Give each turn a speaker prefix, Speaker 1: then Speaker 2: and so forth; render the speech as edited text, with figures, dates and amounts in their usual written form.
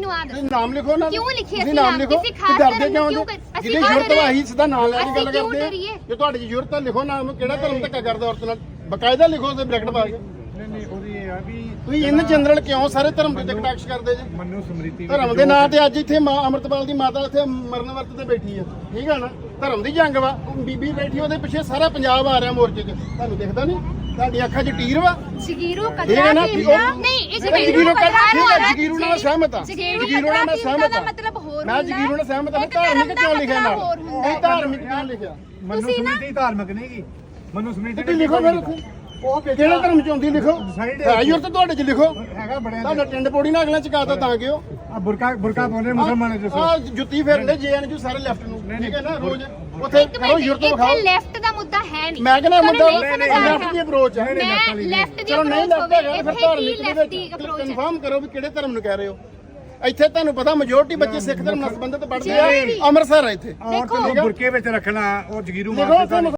Speaker 1: ਮੈਨੂੰ ਆ ਦੱਸੋ
Speaker 2: ਨਾਮ ਲਿਖੋ ਨਾ
Speaker 1: ਕਿਉਂ ਲਿਖਿਆ
Speaker 2: ਤੁਸੀਂ ਨਾਮ ਲਿਖੋ
Speaker 1: ਕਿਸੇ ਖਾਸ
Speaker 2: ਡਰਦੇ ਕਿਉਂ
Speaker 1: ਕਿਉਂ
Speaker 2: ਜਿਹਦੀ ਜ਼ਰੂਰਤ ਵਾ ਹੀ ਸਿੱਧਾ ਨਾਮ ਲੈ ਕੇ ਗੱਲ
Speaker 1: ਕਿਉਂ
Speaker 2: ਕਰਦੇ
Speaker 1: ਡਰੀਏ?
Speaker 2: ਜੇ ਤੁਹਾਡੀ ਜ਼ਰੂਰਤ ਹੈ ਲਿਖੋ ਨਾਮ ਕਿਹੜਾ ਧਰਮ ਧੱਕਾ ਕਰਦਾ ਔਰਤ ਨਾਲ ਬਕਾਇਦਾ ਲਿਖੋ ਤੇ ਬ੍ਰੈਕਟ ਪਾ ਕੇ
Speaker 3: ਨਹੀਂ ਉਹਦੀ ਇਹ ਆ ਵੀ
Speaker 2: ਤੁਸੀਂ ਇਨ ਜਨਰਲ ਕਿਉਂ ਸਾਰੇ ਧਰਮ ਦੇ ਟੈਕਸ ਕਰਦੇ ਜੀ
Speaker 3: ਮਨੂ ਸਮ੍ਰਿਤੀ
Speaker 2: ਧਰਮ ਦੇ ਨਾਂ ਤੇ ਅੱਜ ਇੱਥੇ ਮਾਂ ਅੰਮ੍ਰਿਤਪਾਲ ਦੀ ਮਾਤਾ ਇੱਥੇ ਮਰਨ ਵਰਤ ਤੇ ਬੈਠੀ ਆ ਠੀਕ ਆ ਨਾ ਧਰਮ ਦੀ ਜੰਗ ਵਾ ਬੀਬੀ ਬੈਠੀ ਉਹਦੇ ਪਿੱਛੇ ਸਾਰਾ ਪੰਜਾਬ ਆ ਰਿਹਾ ਮੋਰਚੇ 'ਚ ਤੁਹਾਨੂੰ ਦਿਖਦਾ ਨਹੀਂ ਤੁਹਾਡੀ ਅੱਖਾਂ 'ਚ ਟੀਰ ਵਾ
Speaker 1: ਜਗੀਰੂ
Speaker 2: ਠੀਕ
Speaker 1: ਕਤਰਾ
Speaker 2: ਹੈ ਨਾ
Speaker 1: ਨਹੀਂ ਇਹ
Speaker 2: ਜਗੀਰੂ ਜਗੀਰੂ ਨਾਲ ਸਹਿਮਤ ਆ ਜਗੀਰੂ ਨਾਲ ਮੈਂ ਸਹਿਮਤ ਆ
Speaker 1: ਮਤਲਬ ਹੋਰ
Speaker 2: ਮੈਂ ਜਗੀਰੂ ਨਾਲ ਸਹਿਮਤ ਆ ਧਾਰਮਿਕ ਕਿਉਂ ਲਿਖਿਆ ਨਾਲ ਇਹ ਧਾਰਮਿਕ ਕਿਉਂ ਲਿਖਿਆ
Speaker 3: ਮਨੂ ਸਮ੍ਰਿਤੀ ਧਾਰਮਿਕ ਨਹੀਂ ਗੀ ਮਨੂ ਸਮ੍ਰਿਤੀ
Speaker 2: ਤੇ ਲਿਖੋ ਫਿਰ ਉੱਥੇ ਉਹ ਕਿਹੜੇ ਧਰਮ ਚ ਆਉਂਦੀ ਲਿਖੋ ਆਈਓ ਤੇ ਤੁਹਾਡੇ ਚ ਲਿਖੋ
Speaker 3: ਹੈਗਾ ਬੜਿਆ
Speaker 2: ਤੁਹਾਡਾ ਟਿੰਡ ਪੋੜੀ ਨਾਲ ਅਗਲਾ ਚਕਾਤਾ ਤਾਂ ਕਿਉਂ
Speaker 3: ਆ ਬੁਰਕਾ ਪਾਉਂਦੇ ਮੁਸਲਮਾਨ ਦੱਸੋ
Speaker 2: ਆ ਜੁੱਤੀ ਫੇਰਦੇ ਜੇਐਨਯੂ ਸਾਰੇ ਲੈਫਟ ਨੂੰ ਠੀਕ ਹੈ ਨਾ ਰੋਜ਼ ਉੱਥੇ ਕਰੋ ਯੂਰਪ ਵਿਖਾਓ
Speaker 1: ਲੈਫਟ ਦਾ ਮੁੱਦਾ ਹੈ ਨਹੀਂ
Speaker 2: ਮੈਂ ਕਹਿੰਦਾ ਮੁੱਦਾ ਲੈਫਟ ਦੀ ਅਪਰੋਚ ਹੈ
Speaker 1: ਮੈਂ ਲੈਫਟ ਦੀ
Speaker 2: ਚਲੋ ਨਹੀਂ ਲੈਫਟ ਹੈਗਾ ਫਿਰ ਧਾਰਮਿਕ ਦੇ
Speaker 1: ਲੈਫਟ ਦੀ
Speaker 2: ਵਿੱਚ
Speaker 1: ਅਪਰੋਚ ਹੈ
Speaker 2: ਕਨਫਰਮ ਕਰੋ ਵੀ ਕਿਹੜੇ ਧਰਮ ਨੂੰ ਕਹਿ ਰਹੇ ਹੋ ਇੱਥੇ ਤੁਹਾਨੂੰ ਪਤਾ ਮੈਜੋਰਟੀ ਬੱਚੇ ਸਿੱਖ ਧਰਮ ਨਾਲ ਸੰਬੰਧਿਤ ਪੜ੍ਹਦੇ ਆ ਅੰਮ੍ਰਿਤਸਰ ਆ ਇੱਥੇ
Speaker 3: ਔਰਤ ਨੂੰ ਬੁਰਕੇ ਵਿੱਚ ਰੱਖਣਾ ਉਹ ਜਗੀਰੂ
Speaker 2: ਲਿਖੋ
Speaker 3: ਮਾਰਦੇ